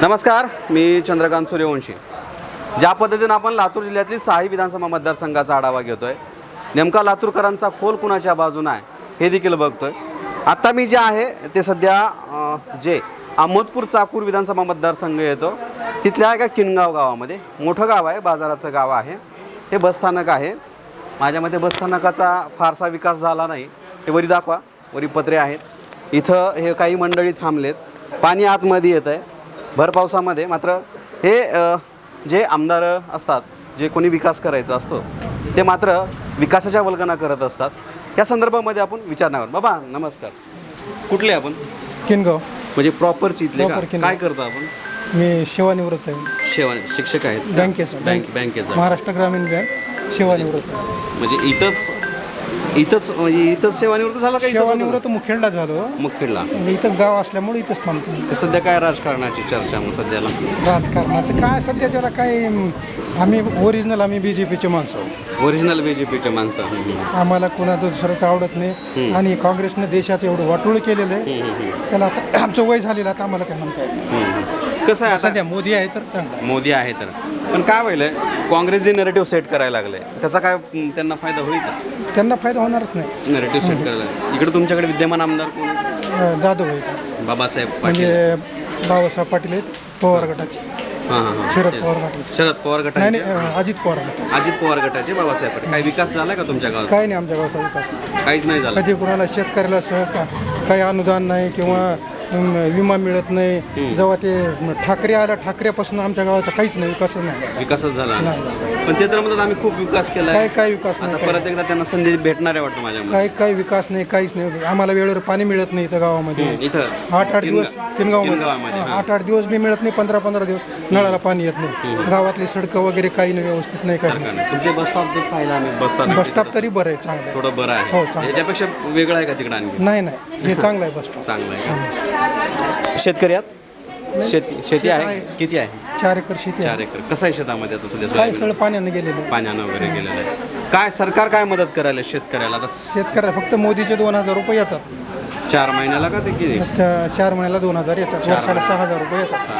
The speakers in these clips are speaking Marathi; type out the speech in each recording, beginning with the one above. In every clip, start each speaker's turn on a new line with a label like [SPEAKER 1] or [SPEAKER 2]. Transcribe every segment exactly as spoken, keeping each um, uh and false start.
[SPEAKER 1] नमस्कार, मी चंद्रकांत सूर्यवंशी. ज्या पद्धतीने आपण लातूर जिल्ह्यातील सहा विधानसभा मतदारसंघाचा आढावा घेतोय, नेमका लातूरकरांचा कोल कुणाच्या बाजूने आहे हे देखील बघतोय. आता मी जे आहे ते सध्या जे अहमदपूर चाकूर विधानसभा मतदारसंघ येतो तिथल्या एका किनगाव गावामध्ये. मोठं गाव आहे, बाजाराचं गाव आहे. हे बसस्थानक आहे. माझ्या मते बसस्थानकाचा फारसा विकास झाला नाही. हे वरी दाखवा, वरी पत्रे आहेत. इथं हे काही मंडळी थांबलेत. पाणी आतमध्ये येत आहे भर पावसामध्ये. मात्र हे जे आमदार असतात, जे कोणी विकास करायचा असतो ते मात्र विकासाच्या वल्गना करत असतात. या संदर्भामध्ये आपण विचारणार आहोत. बाबा नमस्कार, कुठले आपण?
[SPEAKER 2] किनगाव.
[SPEAKER 1] म्हणजे प्रॉपरची इथले का? काय करतो आपण?
[SPEAKER 2] मी सेवानिवृत्त आहे.
[SPEAKER 1] सेवा शिक्षक आहेत
[SPEAKER 2] बँकेचं
[SPEAKER 1] बँक बँकेचा
[SPEAKER 2] महाराष्ट्र ग्रामीण बँक सेवानिवृत्त आहे.
[SPEAKER 1] म्हणजे इथंच इथंच म्हणजे इथंच सेवानिवृत्त झाला का?
[SPEAKER 2] सेवानिवृत्त मुखेडला झालो.
[SPEAKER 1] मुखेडला.
[SPEAKER 2] म्हणजे इथं गाव असल्यामुळे इथंच थांबतो.
[SPEAKER 1] सध्या काय राजकारणाची चर्चा मग सध्याला?
[SPEAKER 2] राजकारणाचं काय सध्याच्याला काय, आम्ही ओरिजिनल आम्ही बी जे पीचे माणसं.
[SPEAKER 1] ओरिजिनल बी जे पीचे माणसं.
[SPEAKER 2] आम्हाला कोणाचं दुसऱ्याचं आवडत नाही. आणि काँग्रेसनं देशाचं एवढं वाटोळ केलेलं आहे. त्याला आता आमचं वय झालेलं, आता आम्हाला काय म्हणता येत नाही.
[SPEAKER 1] कसं आहे
[SPEAKER 2] सध्या मोदी आहे तर चांगलं.
[SPEAKER 1] मोदी आहे तर, पण काय व्हायलंय, काँग्रेस जे नरेटिव्ह सेट करायला लागले त्याचा काय त्यांना फायदा होईल का?
[SPEAKER 2] त्यांना फायदा होणारच नाही.
[SPEAKER 1] नरेटिव्ह सेट करायला इकडे तुमच्याकडे विद्यमान आमदार कोण?
[SPEAKER 2] जाधव आहे
[SPEAKER 1] बाबासाहेब पाटील.
[SPEAKER 2] म्हणजे बाबासाहेब पाटील आहेत पवार गटाचे.
[SPEAKER 1] हां हां
[SPEAKER 2] शरद पवार गटाचे.
[SPEAKER 1] शरद पवार
[SPEAKER 2] नाही
[SPEAKER 1] गटाचे.
[SPEAKER 2] नाही, अजित पवार गटाचे.
[SPEAKER 1] अजित पवार गटाचे बाबासाहेब पाटील. काही विकास झाला का तुमच्या गावात?
[SPEAKER 2] काही नाही, आमच्या गावचा विकास नाही.
[SPEAKER 1] काहीच नाही झाला.
[SPEAKER 2] कधी कोणाला शेतकऱ्याला सह का काही अनुदान नाही किंवा अम, विमा मिळत नाही. जेव्हा ते ठाकरे आला, ठाकरेपासून आमच्या गावाचा काहीच नाही, विकासच नाही.
[SPEAKER 1] विकासच झाला
[SPEAKER 2] नाही.
[SPEAKER 1] पण ते तर म्हणतात आम्ही खूप विकास केला.
[SPEAKER 2] काही काही विकास
[SPEAKER 1] आता
[SPEAKER 2] नाही.
[SPEAKER 1] परत एकदा त्यांना संधी भेटणार आहे वाटतं माझ्या.
[SPEAKER 2] काही काही विकास नाही, काहीच नाही. आम्हाला वेळेवर पाणी मिळत नाही इथं गावामध्ये.
[SPEAKER 1] इथं
[SPEAKER 2] आठ आठ दिवस किनगावमध्ये
[SPEAKER 1] किनगावमध्ये, हां.
[SPEAKER 2] आठ आठ दिवस बी मिळत नाही. पंधरा पंधरा दिवस नळाला पाणी येत नाही. गावातली सडकं वगैरे काही नाही, व्यवस्थित नाही. काही नाही.
[SPEAKER 1] तुमचे बस स्टॉप पाहिला आम्ही. बस स्टॉप
[SPEAKER 2] बस स्टॉप तरी बरं आहे, चांगलं आहे.
[SPEAKER 1] थोडं बरं
[SPEAKER 2] हो,
[SPEAKER 1] आहे.
[SPEAKER 2] चांगलं.
[SPEAKER 1] याच्यापेक्षा वेगळं आहे का तिकडं आणखी?
[SPEAKER 2] नाही नाही, हे चांगलं आहे बस स्टॉप.
[SPEAKER 1] चांगलं आहे का? शेतकरी आहात? शेती शेती आहे किती आहे?
[SPEAKER 2] चार एकर शेती
[SPEAKER 1] चार
[SPEAKER 2] आहे.
[SPEAKER 1] एकर. कसं आहे शेतामध्ये आता सध्या?
[SPEAKER 2] काय
[SPEAKER 1] सोयाबीन?
[SPEAKER 2] सगळं पाण्यानं गेलेलं आहे.
[SPEAKER 1] पाण्यानं वगैरे गेलेलं आहे. काय सरकार काय मदत करायला शेतकऱ्याला आता?
[SPEAKER 2] शेतकऱ्याला फक्त मोदीचे दोन हजार रुपये येतात.
[SPEAKER 1] चार महिन्याला का ते किती?
[SPEAKER 2] त्या चार महिन्याला दोन हजार येतात. वर्षाला सहा हजार रुपये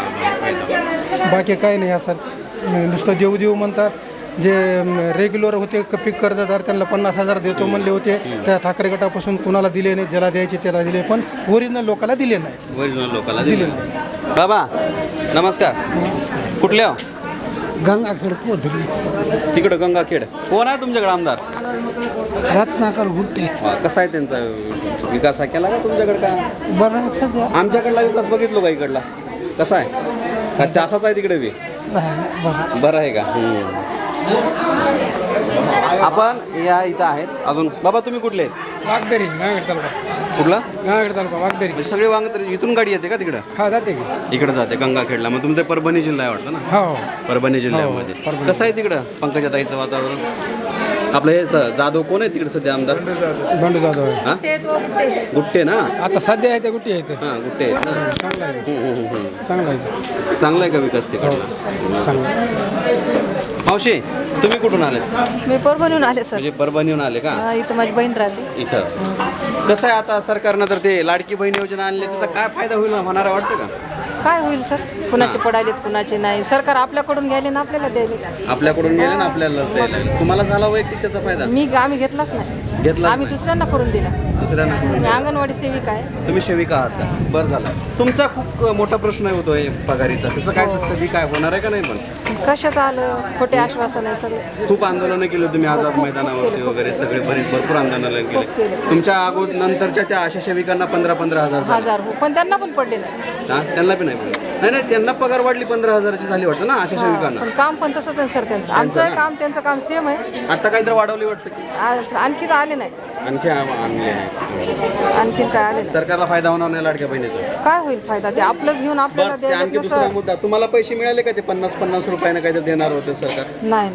[SPEAKER 2] येतात. बाकी काही नाही असं. नुसतं देऊ देऊ म्हणतात. जे रेग्युलर होते क- पीक कर्जदार त्यांना पन्नास हजार देतो म्हणले होते. त्या ठाकरे गटापासून कुणाला दिले नाही. ज्याला द्यायचे त्याला दिले, पण ओरिजिनल लोकांना दिले नाही.
[SPEAKER 1] ओरिजिनल लोकांना दिले बाबा नमस्कार. कुठले हो?
[SPEAKER 2] गंगाखेड कोथरी.
[SPEAKER 1] तिकडं गंगाखेड. कोण आहे तुमच्याकडे आमदार?
[SPEAKER 2] रत्नाकर गुट्टे.
[SPEAKER 1] वा, कसा आहे त्यांचा विकास? हा केला का तुमच्याकडे? का
[SPEAKER 2] बरं सध्या
[SPEAKER 1] आमच्याकडला विकास बघितलो का इकडला? कसा आहे का ते असाच आहे तिकडे बी?
[SPEAKER 2] बरं.
[SPEAKER 1] बरं आहे का? आपण या इथं आहेत अजून. बाबा तुम्ही कुठले आहेत?
[SPEAKER 2] वागदरी गांगड तालुका.
[SPEAKER 1] कुठला?
[SPEAKER 2] गांगड तालुका वागदरी.
[SPEAKER 1] म्हणजे सगळे वांग तर इथून गाडी येते का तिकडं?
[SPEAKER 2] हा जाते की.
[SPEAKER 1] इकडे जाते गंगाखेडला. मग तुमचं परभणी जिल्हा आहे वाटतं ना?
[SPEAKER 2] हो.
[SPEAKER 1] परभणी जिल्ह्यामध्ये. कसं आहे तिकडं पंकजाताईचं वातावरण? आपलं हे ज- जाधव कोण आहे तिकडे सध्या आमदार?
[SPEAKER 2] बंडू जाधव आहे.
[SPEAKER 1] हां गुट्टे ना?
[SPEAKER 2] आता सध्या आहे ते गुट्टी आहे ते.
[SPEAKER 1] हां गुट्टे आहेत ना?
[SPEAKER 2] चांगला आहे.
[SPEAKER 1] हम्म, हम्म, हम्म.
[SPEAKER 2] चांगला आहे.
[SPEAKER 1] चांगला आहे का विकास तिकडला?
[SPEAKER 2] चांगला.
[SPEAKER 1] मावशी तुम्ही कुठून आलेत?
[SPEAKER 3] मी परभणीहून आले सर.
[SPEAKER 1] म्हणजे परभणीहून आले का?
[SPEAKER 3] हा, इथं माझी बहीण राहते.
[SPEAKER 1] इथं कसं आहे आता सरकारनं तर ते लाडकी बहीण योजना आणली, त्याचा काय फायदा होईल होणार वाटतं का?
[SPEAKER 3] काय होईल सर? कुणाचे पडालेत कुणाचे नाही. सरकार आपल्याकडून घ्यायले ना आपल्याला द्यायले.
[SPEAKER 1] आपल्याकडून गेले ना आपल्याला द्यायला लागले. तुम्हाला झाला वैयक्तिक त्याचा फायदा?
[SPEAKER 3] मी आम्ही घेतलाच नाही.
[SPEAKER 1] घेतला
[SPEAKER 3] आम्ही दुसऱ्यांना करून दिला.
[SPEAKER 1] दुसऱ्यांना करून?
[SPEAKER 3] मी अंगणवाडी सेविका आहे.
[SPEAKER 1] तुम्ही सेविका आहात का? बरं झालं. तुमचा खूप मोठा प्रश्न होतो हे पगारीचा. त्याचं काय कधी काय होणार आहे का नाही? पण
[SPEAKER 3] कशाचं आलं? खोटे आश्वासन आहे सगळे.
[SPEAKER 1] खूप आंदोलनं केली तुम्ही आझाद
[SPEAKER 3] खूप
[SPEAKER 1] मैदानावरती
[SPEAKER 3] केले,
[SPEAKER 1] वगैरे सगळे बरेच भरपूर आंदोलनं
[SPEAKER 3] खूप
[SPEAKER 1] केले.
[SPEAKER 3] केले.
[SPEAKER 1] तुमच्या अगोदर नंतरच्या त्या आशा सेविकांना पंधरा पंधरा हजार झाले.
[SPEAKER 3] हजार हो, पण त्यांना पण पडले नाही.
[SPEAKER 1] हा त्यांना पण नाही पडले. नाही नाही त्यांना पगार वाढली पंधरा हजाराची झाली वाटतं ना आशा सेविकांना?
[SPEAKER 3] पण काम पण तसंच आहे सर त्यांचं. आमचं काम त्यांचं काम सेम आहे.
[SPEAKER 1] आता काहीतरी वाढवली वाटतं की
[SPEAKER 3] आ- आणखी तर आले नाही.
[SPEAKER 1] आणखी आम- आणले नाही.
[SPEAKER 3] आणखीन काय आले नाही.
[SPEAKER 1] सरकारला फायदा होणार नाही लाडक्या बहिणीचा?
[SPEAKER 3] काय होईल फायदा? ते आपलंच घेऊन आपल्याला
[SPEAKER 1] बरं, ते आणखी
[SPEAKER 3] द्यायला
[SPEAKER 1] दुसरा
[SPEAKER 3] सर.
[SPEAKER 1] मुद्दा, तुम्हाला पैसे मिळाले का? ते पन्नास पन्नास रुपयानं काहीतरी देणार होते सरकार?
[SPEAKER 3] नाही नाही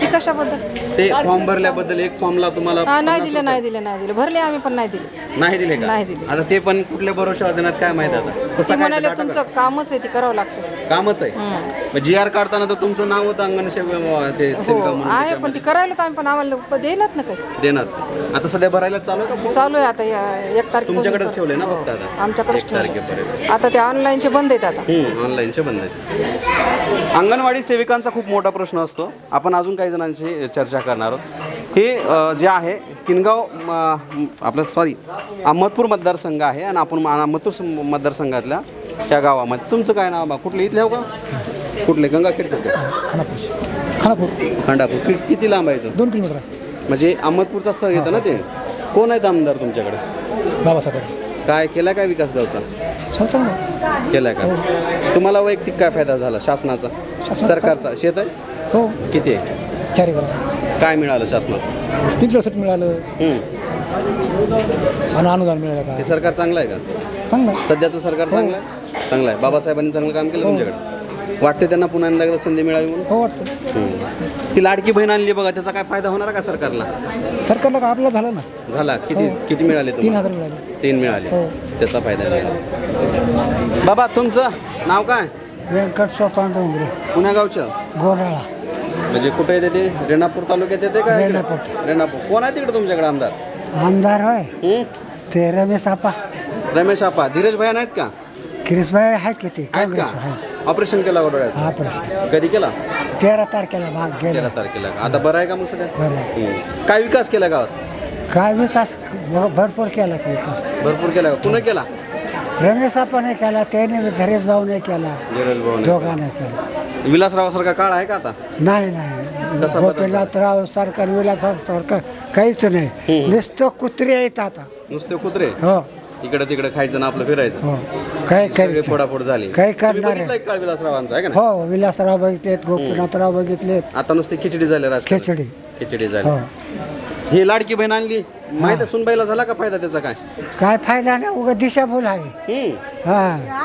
[SPEAKER 3] ती कशाबद्दल
[SPEAKER 1] ते फॉर्म भरल्याबद्दल एक फॉर्मला तुम्हाला
[SPEAKER 3] हा नाही
[SPEAKER 1] पन्नास
[SPEAKER 3] दिले नाही दिले नाही दिले भरले आम्ही पण नाही दिले
[SPEAKER 1] रुपये नाही दिले का
[SPEAKER 3] नाही दिले.
[SPEAKER 1] आता ते पण कुठल्या भरोशावर देण्यात काय माहिती आता
[SPEAKER 3] ती
[SPEAKER 1] कसं काय
[SPEAKER 3] म्हणाले
[SPEAKER 1] ते
[SPEAKER 3] तुमचं कामच आहे ते करावं लागतं
[SPEAKER 1] टाका- कामच आहे जी आर काढताना तर तुमचं नाव होतं अंगण सेवा ते
[SPEAKER 3] हो
[SPEAKER 1] सेविका म्हणून
[SPEAKER 3] आहे
[SPEAKER 1] त्याच्यामध्ये.
[SPEAKER 3] पण ती करायला तर आम्ही पण आम्हाला देणार ना काही
[SPEAKER 1] देणार आता सध्या भरायला चालू आहे का
[SPEAKER 3] चालू आहे आता या एक तारखेला
[SPEAKER 1] तुमच्याकडेच ठेवले ना फक्त आता
[SPEAKER 3] आमच्याकडेच
[SPEAKER 1] एक
[SPEAKER 3] ठेवलंय.
[SPEAKER 1] तारखेपर्यंत
[SPEAKER 3] आता ते ऑनलाईनचे बंद आहेत आता
[SPEAKER 1] ऑनलाईनचे बंद आहेत अंगणवाडी सेविकांचा खूप मोठा प्रश्न असतो आपण अजून काही जणांशी चर्चा करणार आहोत हे अ, जे आहे किनगाव म, आपलं सॉरी अहमदपूर मतदारसंघ आहे आणि आपण अहमदपूर सं- मतदारसंघातल्या त्या गावामध्ये तुमचं काय नाव बा कुठले इथले हो का कुठले गंगाखेडचं का
[SPEAKER 2] खानापूर खानापूर
[SPEAKER 1] खंडापूर कि किती लांब आहे इथून?
[SPEAKER 2] दोन किलोमीटर आहे
[SPEAKER 1] म्हणजे अहमदपूरचा स्थळ येतं ना ते कोण आहेत आमदार तुमच्याकडे
[SPEAKER 2] बाबासाहेब
[SPEAKER 1] काय केला काय विकास गावचा
[SPEAKER 2] चांगलं
[SPEAKER 1] केलाय का तुम्हाला वैयक्तिक काय फायदा झाला शासनाचा सरकारचा शेत आहे
[SPEAKER 2] हो
[SPEAKER 1] किती आहे
[SPEAKER 2] चारी करा
[SPEAKER 1] काय मिळालं शासनाचं
[SPEAKER 2] पिंजरसाठी मिळालं
[SPEAKER 1] हम्म.
[SPEAKER 2] आणि अनुदान मिळालं का
[SPEAKER 1] हे सरकार चांगलं आहे का
[SPEAKER 2] चांगलं
[SPEAKER 1] सध्याचं सरकार चांगलं आहे चांगलं आहे बाबासाहेबांनी चांगलं काम केलं तुमच्याकडे वाटते त्यांना पुन्हा एकदा संधी मिळावी म्हणून
[SPEAKER 2] हो वाटतं
[SPEAKER 1] हम्म. ती लाडकी बहीण आणली बघा त्याचा काय फायदा होणार का सरकारला
[SPEAKER 2] सरकारला का आपलं झालं ना
[SPEAKER 1] झाला किती किती मिळाले
[SPEAKER 2] तीन
[SPEAKER 1] तुम्हाला
[SPEAKER 2] हजार मिळाले
[SPEAKER 1] तीन मिळाले
[SPEAKER 2] हो.
[SPEAKER 1] त्याचा फायदा मिळाला बाबा तुमचं नाव काय
[SPEAKER 2] व्यंकट पांडुंगरे
[SPEAKER 1] पुण्या गावचं
[SPEAKER 2] गोराळा
[SPEAKER 1] म्हणजे कुठे येते ते रेणापूर तालुक्यात येते का
[SPEAKER 2] रेणापूर.
[SPEAKER 1] रेणापूर कोण आहे तिकडे तुमच्याकडे आमदार
[SPEAKER 2] आमदार होय
[SPEAKER 1] हम्म?
[SPEAKER 2] ते रमेश आपा
[SPEAKER 1] रमेश आपा धीरज भैया नाहीत का
[SPEAKER 2] किरीसभाई आहेत किती
[SPEAKER 1] आहेत
[SPEAKER 2] काँग्रेस
[SPEAKER 1] का
[SPEAKER 2] आहेत
[SPEAKER 1] ऑपरेशन केला डोळ्याचं
[SPEAKER 2] हा प्रश्न
[SPEAKER 1] कधी केला
[SPEAKER 2] तेरा तारखेला भाग गेला
[SPEAKER 1] तेरा तारखेला का? आता बरं आहे का मग सध्या
[SPEAKER 2] बरं आहे.
[SPEAKER 1] हम्म. काय विकास केला गावात
[SPEAKER 2] काय विकास भ- भरपूर केला की विकास
[SPEAKER 1] भरपूर केला का पुन्हा केला
[SPEAKER 2] रमेश आपाने केला त्याने धीरेश भाऊने केला
[SPEAKER 1] धीरज भाऊ
[SPEAKER 2] दोघांना केला
[SPEAKER 1] विलासरावासारखा काळ आहे का आता
[SPEAKER 2] नाही नाही
[SPEAKER 1] कसा बदल
[SPEAKER 2] गोपीनाथराव सरकार विलासराव सरकार काहीच नाही नुसतं कुत्री आहेत आता
[SPEAKER 1] नुसते कुत्रे
[SPEAKER 2] हो
[SPEAKER 1] इकडे तिकडे खायचं ना आपलं फिरायचं
[SPEAKER 2] हो काय
[SPEAKER 1] सगळे
[SPEAKER 2] करीत
[SPEAKER 1] फोडाफोड झाली
[SPEAKER 2] काही
[SPEAKER 1] तुम्ही
[SPEAKER 2] करणार आहे.
[SPEAKER 1] बघितलंय का काळ विलासरावांचा आहे का नाही
[SPEAKER 2] हो विलासराव बघितलेत गोपीनाथराव बघितलेत
[SPEAKER 1] आता नुसती खिचडी झाली राजकारण.
[SPEAKER 2] खिचडी
[SPEAKER 1] खिचडी झाली
[SPEAKER 2] हो
[SPEAKER 1] ही लाडकी बहीण आणली माहिती आहे सुनबाईला झाला का फायदा त्याचा काय
[SPEAKER 2] काय फायदा नाही उगा दिशाभूल आहे
[SPEAKER 1] हम्म.
[SPEAKER 2] हा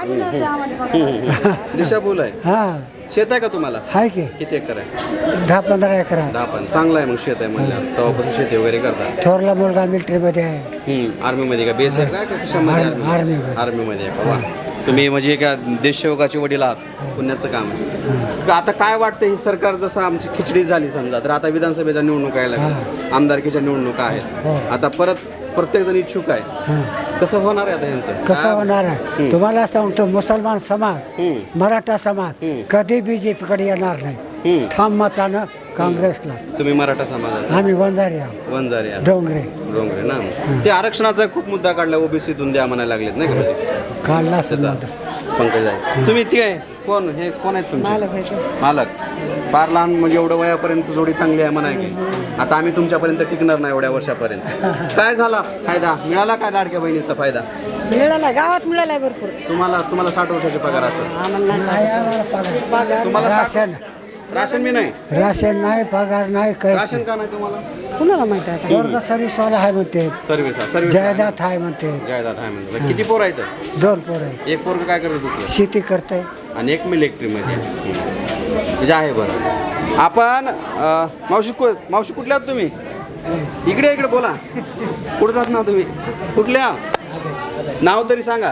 [SPEAKER 1] दिशाभूल आहे
[SPEAKER 2] हा
[SPEAKER 1] शेत आहे का तुम्हाला
[SPEAKER 2] आहे की
[SPEAKER 1] किती एकर आहे
[SPEAKER 2] दहा पंधरा एकर आहे
[SPEAKER 1] दहा पण चांगलं आहे मग शेत आहे म्हणल्यावर तेव्हापासून शेती वगैरे करतात
[SPEAKER 2] थोरला मुलगा मिलिटरीमध्ये आहे
[SPEAKER 1] आर्मी मध्ये का बेस आहे का का कशामध्ये
[SPEAKER 2] आर्मी-
[SPEAKER 1] आर्मी
[SPEAKER 2] आर्मीमध्ये.
[SPEAKER 1] आर्मी मध्ये आहे का वा तुम्ही म्हणजे एका देशसेवकाचे वडील आहात पुण्याचं काम आहे का आता काय वाटतं ही सरकार जसं आमची खिचडी झाली समजा तर आता विधानसभेच्या निवडणुका यायला लागल्या आमदारकीच्या निवडणुका आहेत आता परत प्रत्येक जण इच्छुक आहे
[SPEAKER 2] हां
[SPEAKER 1] कसं होणार आहे आता यांचं
[SPEAKER 2] कसं होणार आहे तुम्हाला सांगतो मुसलमान समाज मराठा समाज कधी बीजेपीकडे येणार नाही
[SPEAKER 1] हम्म.
[SPEAKER 2] ठाम मतानं काँग्रेसला
[SPEAKER 1] तुम्ही मराठा समाजाचे
[SPEAKER 2] आम्ही वंजारी आहोत
[SPEAKER 1] वंजारी आहात.
[SPEAKER 2] डोंगरे
[SPEAKER 1] डोंगरे ना ते आरक्षणाचा खूप मुद्दा काढला ओबीसीतून द्या म्हणायला लागलेत नाही का म्हणजे
[SPEAKER 2] काढला
[SPEAKER 1] त्याचा
[SPEAKER 2] समजा
[SPEAKER 1] पंकज आहे तुम्ही ती आहे कोण हे कोण आहेत तुमचे मालक फार लहान म्हणजे एवढं वयापर्यंत जोडी चांगली आहे म्हणा की आता आम्ही तुमच्यापर्यंत टिकणार नाही एवढ्या वर्षापर्यंत काय झाला फायदा मिळाला काय लाडक्या बहिणीचा फायदा
[SPEAKER 3] मिळाला गावात मिळालाय भरपूर
[SPEAKER 1] तुम्हाला तुम्हाला साठ वर्षाचे पगार असेल
[SPEAKER 2] नाही आम्हाला पगार.
[SPEAKER 1] तुम्हाला साठ-
[SPEAKER 2] राशन
[SPEAKER 1] राशन मी नाही
[SPEAKER 2] राशन नाही पगार नाही
[SPEAKER 1] राशन
[SPEAKER 2] काही
[SPEAKER 1] का नाही तुम्हाला
[SPEAKER 3] कुणाला माहिती आहे
[SPEAKER 2] वर्ग सर्व्हिसवाला आहे म्हणते
[SPEAKER 1] सर्व्हिस सर्व्हिस
[SPEAKER 2] जायदाद आहे म्हणते
[SPEAKER 1] जायदाद आहे म्हणजे किती पोर आहेत
[SPEAKER 2] दोन पोर आहे
[SPEAKER 1] एक पोरग काय करत दुसरं
[SPEAKER 2] शेती करते
[SPEAKER 1] आणि एक मिलिटरीमध्ये आहे. म्हणजे आहे बरं आपण अं, मावशी कु मावशी कुठल्या आहात तुम्ही इकडे इकडे बोला कुठं जात ना तुम्ही कुठल्या नाव तरी सांगा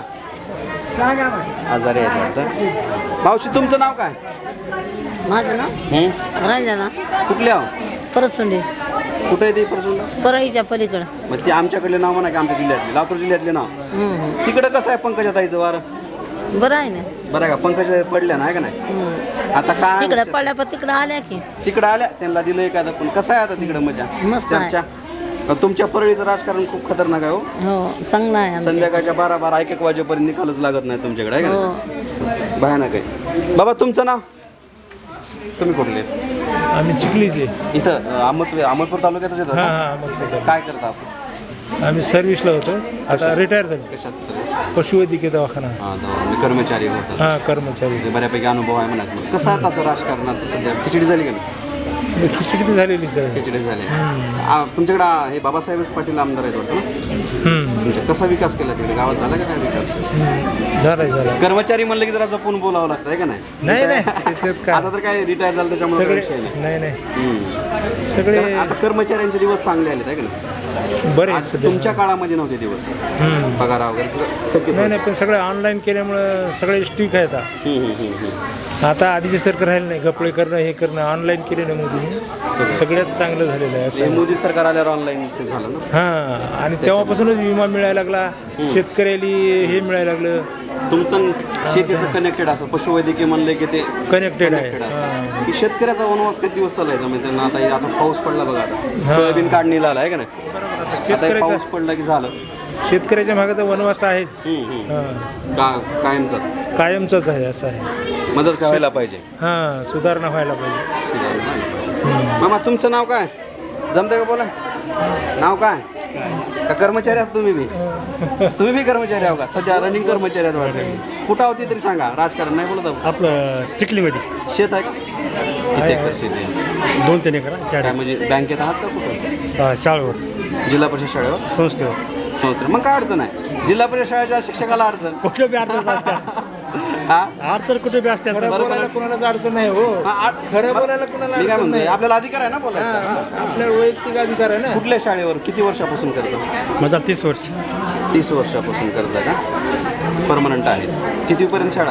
[SPEAKER 1] आजारी आहेत वाटतं. मावशी तुमचं नाव काय
[SPEAKER 4] माझं ना
[SPEAKER 1] हं?
[SPEAKER 4] रंजना
[SPEAKER 1] कुठल्या
[SPEAKER 4] परत चुंडी
[SPEAKER 1] कुठे आहे ते प्रसून
[SPEAKER 4] परळीच्या पलीकडं
[SPEAKER 1] मग ते आमच्याकडले नाव म्हणा की आमच्या जिल्ह्यातले लातूर जिल्ह्यातले नाव तिकडं कसं आहे पंकजा ताईचं वारं
[SPEAKER 4] बरं आहे ना
[SPEAKER 1] बरं आहे का पंकजा पडल्या ना आहे का नाही आता काय
[SPEAKER 4] तिकडं पडल्या पण तिकडं आल्या की
[SPEAKER 1] तिकडं आल्या त्यांना दिलं एखादं पण कसं आहे आता तिकडं मजा
[SPEAKER 4] मस्त आहे.
[SPEAKER 1] चर्चा तुमच्या परळीचं राजकारण खूप खतरनाक आहे हो
[SPEAKER 4] हो चांगलं आहे आमचं.
[SPEAKER 1] संध्याकाळच्या बारा बारा एक एक वाजेपर्यंत निकालच लागत नाही तुमच्याकडे आहे का
[SPEAKER 4] हो
[SPEAKER 1] नाही? भयानक आहे बाबा तुमचं नाव तुम्ही कुठले
[SPEAKER 5] आम्ही चिखलीचे
[SPEAKER 1] इथं अं, अहमद अहमदपूर तालुक्यातच येतात
[SPEAKER 5] हां
[SPEAKER 1] का?
[SPEAKER 5] हां अहमदपूर.
[SPEAKER 1] काय करता आपण
[SPEAKER 5] आम्ही सर्व्हिसला होतो आता रिटायर झालो
[SPEAKER 1] कशात सर
[SPEAKER 5] पशुवैद्यकीय दवाखाना
[SPEAKER 1] हां दवा- कर्मचारी होतात
[SPEAKER 5] हां कर्मचारी
[SPEAKER 1] म्हणजे बऱ्यापैकी अनुभव आहे म्हणा कसं आहे त्याचं राजकारणाचं सध्या खिचडी झाली का नाही
[SPEAKER 5] मग खिचडी तर झालेलीच आहे
[SPEAKER 1] खिचडी झाली आ, तुमच्याकडे आ, हे बाबासाहेब पाटील आमदार आहेत वाटतं ना
[SPEAKER 5] हम्म.
[SPEAKER 1] तुमच्या कसा विकास केला तिकडे गावात झाला का काय विकास
[SPEAKER 5] झालाय झाला
[SPEAKER 1] कर्मचारी म्हणलं की जरा जपून बोलावं लागतं आहे का नाही
[SPEAKER 5] नाही नाही त्याच्यात काय
[SPEAKER 1] आता तर काय रिटायर झालं त्याच्यामुळे काही
[SPEAKER 5] सगळे
[SPEAKER 1] विषय नाही
[SPEAKER 5] नाही नाही
[SPEAKER 1] हम्म.
[SPEAKER 5] सगळे
[SPEAKER 1] तर आता कर्मचाऱ्यांचे दिवस चांगले आले आहे का नाही?
[SPEAKER 5] बरे आहेत
[SPEAKER 1] आज
[SPEAKER 5] सध्या.
[SPEAKER 1] तुमच्या काळामध्ये नव्हते दिवस पगार वगैरे थकीत
[SPEAKER 5] नाही नाही पण सगळं ऑनलाईन केल्यामुळं सगळे स्टिक आहेत आता.
[SPEAKER 1] हम्म, हम्म, हम्म, हम्म.
[SPEAKER 5] आता आधीचे सरकार राहिलं नाही गपळे करणं हे करणं ऑनलाईन केलं ना मोदीने सगळ्यात चांगलं झालेलं आहे
[SPEAKER 1] हे
[SPEAKER 5] असं.
[SPEAKER 1] मोदी सरकार आल्यावर ऑनलाईन ते झालं ना.
[SPEAKER 5] हां आणि तेव्हापासूनच विमा मिळायला लागला शेतकऱ्याला हे मिळायला लागलं
[SPEAKER 1] तुमचं शेतीचं कनेक्टेड असं पशुवैद्यकीय म्हणले की ते
[SPEAKER 5] कनेक्टेड आहे.
[SPEAKER 1] connected असं. की शेतकऱ्याचा वनवास किती दिवस चालायचा म्हणजे त्यांना आता आता पाऊस पडला बघा आता सोयाबीन काढणीला आला आहे का नाही? आता हे
[SPEAKER 5] शेतकऱ्याचा
[SPEAKER 1] पाऊस पडला की झालं
[SPEAKER 5] शेतकऱ्याच्या मागे तर वनवास आहेच. हां.
[SPEAKER 1] का कायमचाच
[SPEAKER 5] कायमचाच आहे असं आहे.
[SPEAKER 1] मदत व्हायला पाहिजे.
[SPEAKER 5] हां सुधारणा व्हायला पाहिजे.
[SPEAKER 1] मामा तुमचं नाव काय जमतं का बोला नाव काय का कर्मचारी आहात तुम्ही बी तुम्ही बी कर्मचारी आहो का सध्या रनिंग कर्मचारी आहात वाटतं कुठं होती तरी सांगा राजकारण नाही बोलत आहो.
[SPEAKER 6] आपलं चिखलीमध्ये
[SPEAKER 1] शेत आहे का? किती एकर शेत आहे
[SPEAKER 6] दोन तीन एकर चार
[SPEAKER 1] काय म्हणजे बँकेत आहात का कुठं
[SPEAKER 6] एकर शाळेवर
[SPEAKER 1] जिल्हा परिषद शाळेवर
[SPEAKER 6] संस्थेवर
[SPEAKER 1] संस्था मग काय अडचण आहे जिल्हा परिषद शाळेच्या शिक्षकाला अडचण
[SPEAKER 6] कुठे बी अडचण असत्या
[SPEAKER 1] हा
[SPEAKER 6] अडचण कुठे बी असत्या
[SPEAKER 5] खरं बोलायला कोणालाच अडचण नाही हो.
[SPEAKER 1] हा, आ-
[SPEAKER 5] खरं बोलायला कोणाला
[SPEAKER 1] मी काय
[SPEAKER 5] अडचण
[SPEAKER 1] म्हणतोय
[SPEAKER 5] नाही.
[SPEAKER 1] आपल्याला अधिकार आहे ना बोलायचा हा.
[SPEAKER 5] आपल्या वैयक्तिक अधिकार आहे ना.
[SPEAKER 1] कुठल्या शाळेवर किती वर्षापासून करता
[SPEAKER 6] माझा तीस वर्ष
[SPEAKER 1] तीस वर्षापासून करता का परमनंट आहे कितीपर्यंत शाळा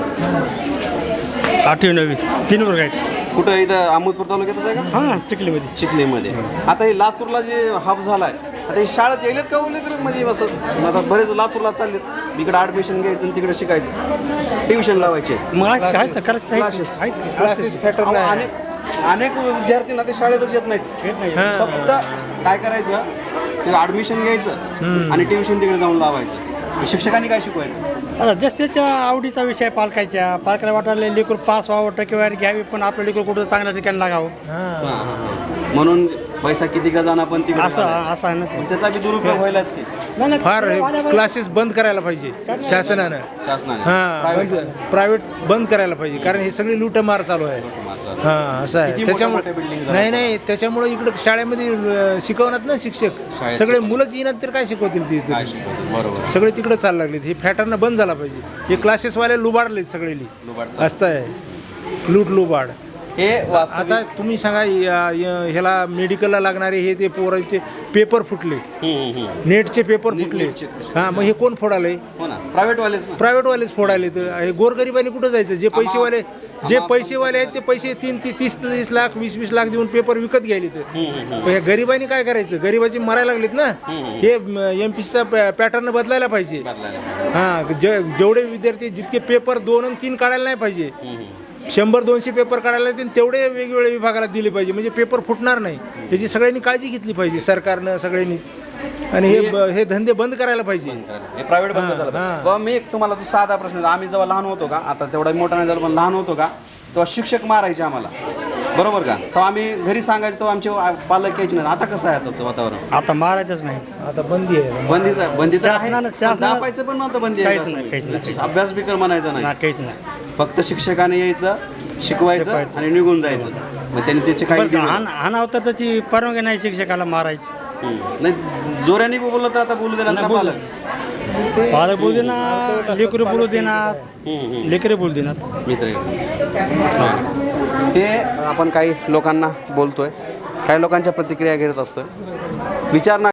[SPEAKER 1] आहे
[SPEAKER 6] आठवी नववी तीन वर्ग आहेत
[SPEAKER 1] कुठं इथं अहमदपूर तालुक्यातच आहे का
[SPEAKER 6] हां चिखलीमध्ये
[SPEAKER 1] चिखलीमध्ये आता हे लातूरला जे हब झाला आहे आता हे शाळेत यायलेत का बोलले करत म्हणजे असं आता बरेच लातूरला चाललेत इकडे ॲडमिशन घ्यायचं आणि तिकडे शिकायचं ट्युशन लावायचे
[SPEAKER 6] मग आहेत ना करायचं
[SPEAKER 1] Classes.
[SPEAKER 6] आहेत
[SPEAKER 5] क्लासेस पॅटर्न
[SPEAKER 1] अहो,
[SPEAKER 5] आहे.
[SPEAKER 1] अनेक अनेक विद्यार्थी ना ते शाळेतच येत नाहीत
[SPEAKER 5] हां.
[SPEAKER 1] फक्त काय करायचं ते ॲडमिशन घ्यायचं आणि ट्युशन तिकडे जाऊन लावायचं शिक्षकांनी काय शिकवायचं
[SPEAKER 6] आता जस त्याच्या आवडीचा विषय पालकाच्या पालकाला वाटायला लेकरू पास व्हावं टक्केवारी घ्यावी पण आपलं लेकरू कुठं चांगल्या ठिकाणी लागावं
[SPEAKER 1] हां, हां, हां. म्हणून पैसा किती का जाणार पण तिकडे
[SPEAKER 6] असं
[SPEAKER 1] घालायचा.
[SPEAKER 6] असं आहे ना ते
[SPEAKER 1] पण त्याचा बी दुरुपयोग व्हायलाच की
[SPEAKER 6] नाही, नाही,
[SPEAKER 5] फार क्लासेस बंद करायला पाहिजे शासनानं.
[SPEAKER 1] शासनाने
[SPEAKER 5] हां
[SPEAKER 1] Private.
[SPEAKER 5] बंद प्रायव्हेट बंद करायला पाहिजे कारण हे सगळी लूटमार चालू आहे. हां असं
[SPEAKER 1] किती
[SPEAKER 5] आहे
[SPEAKER 1] मोठ्या मोठ्या building
[SPEAKER 5] त्याच्यामुळे
[SPEAKER 1] झाल्या.
[SPEAKER 5] नाही नाही त्याच्यामुळे इकडं शाळेमध्ये अं, शिकवणार ना शिक्षक
[SPEAKER 1] शाळेत
[SPEAKER 5] सगळे मुलंच येणार तर काय शिकवतील ते
[SPEAKER 1] काय शिकवतो बरोबर
[SPEAKER 5] सगळे तिकडे चालू लागलेत. हे फॅटर्न बंद झाला पाहिजे. हे क्लासेसवाले लुबाडलेत सगळे
[SPEAKER 1] लुबाड
[SPEAKER 5] असतं आहे लूट लुबाड.
[SPEAKER 1] हे वास्तविक
[SPEAKER 5] आता तुम्ही सांगा या- या- ह्याला मेडिकलला लागणारे हे ते पोरांचे पेपर फुटले
[SPEAKER 1] हम्म, हम्म.
[SPEAKER 5] नेटचे पेपर फुटले
[SPEAKER 1] नेटचे कसे?
[SPEAKER 5] हां मग हे कोण फोडाले
[SPEAKER 1] हो ना प्रायव्हेट वालेच ना
[SPEAKER 5] प्रायव्हेटवालेच फोडायले तर हे गोरगरिबांनी कुठं जायचं जे पैसेवाले जे पैसेवाले आहेत ते पैसे तीन ती तीस तीस लाख वीस वीस लाख देऊन पेपर विकत घ्यायले तर पण ह्या गरिबांनी काय करायचं गरिबाची मरायला लागलीत ना हे एम पी सीचा पॅटर्न बदलायला पाहिजे. हां जे जेवढे विद्यार्थी जितके पेपर दोन आणि तीन काढायला नाही पाहिजे शंभर दोनशे पेपर काढायला येतील तेवढे वेगवेगळ्या विभागाला दिले पाहिजे म्हणजे पेपर फुटणार नाही याची सगळ्यांनी काळजी घेतली पाहिजे सरकारनं सगळ्यांनीच आणि हे ब- हे धंदे बंद करायला पाहिजे.
[SPEAKER 1] हे प्रायव्हेट बंद झालं पाहिजे.
[SPEAKER 5] हां.
[SPEAKER 1] बाबा मी एक तुम्हाला तो साधा प्रश्न विचारतो. आम्ही जेव्हा लहान होतो का आता तेवढा मोठा नाही झाला पण लहान होतो का तेव्हा शिक्षक मारायचे आम्हाला बरोबर का तेव्हा आम्ही घरी सांगायचो तेव्हा आमचे पालक यायचे नाही आता कसं आहे आताचं वातावरण
[SPEAKER 6] आता मारायचंच नाही
[SPEAKER 5] आता बंदी आहे.
[SPEAKER 1] बंदीचं बंदीचं आहे
[SPEAKER 6] शासनानं-
[SPEAKER 1] पण
[SPEAKER 6] शासनानं-
[SPEAKER 1] दाबायचं पण नव्हतं बंदी आहे
[SPEAKER 6] काहीच
[SPEAKER 1] असं
[SPEAKER 6] नाही, काहीच
[SPEAKER 1] नाही.
[SPEAKER 6] नाही.
[SPEAKER 1] अभ्यास बिकर म्हणायचं
[SPEAKER 6] ना
[SPEAKER 1] नाही
[SPEAKER 6] काहीच नाही
[SPEAKER 1] फक्त शिक्षकाने यायचं शिकवायचं
[SPEAKER 6] शिकवायचं.
[SPEAKER 1] आणि निघून जायचं मग त्यांनी त्याचे काही
[SPEAKER 6] पण हान हाणावं तर त्याची परवानगी नाही शिक्षकाला मारायची
[SPEAKER 1] हम्म. नाही जोराने बी बोललं तर आता बोलू देणार ना पालक
[SPEAKER 6] पालक बोलू देणार लेकरू बोलू देणार लेकरे बोलू देणार
[SPEAKER 1] मित्र हे आपण काही लोकांना बोलतोय काही लोकांच्या प्रतिक्रिया घेत असतोय विचार ना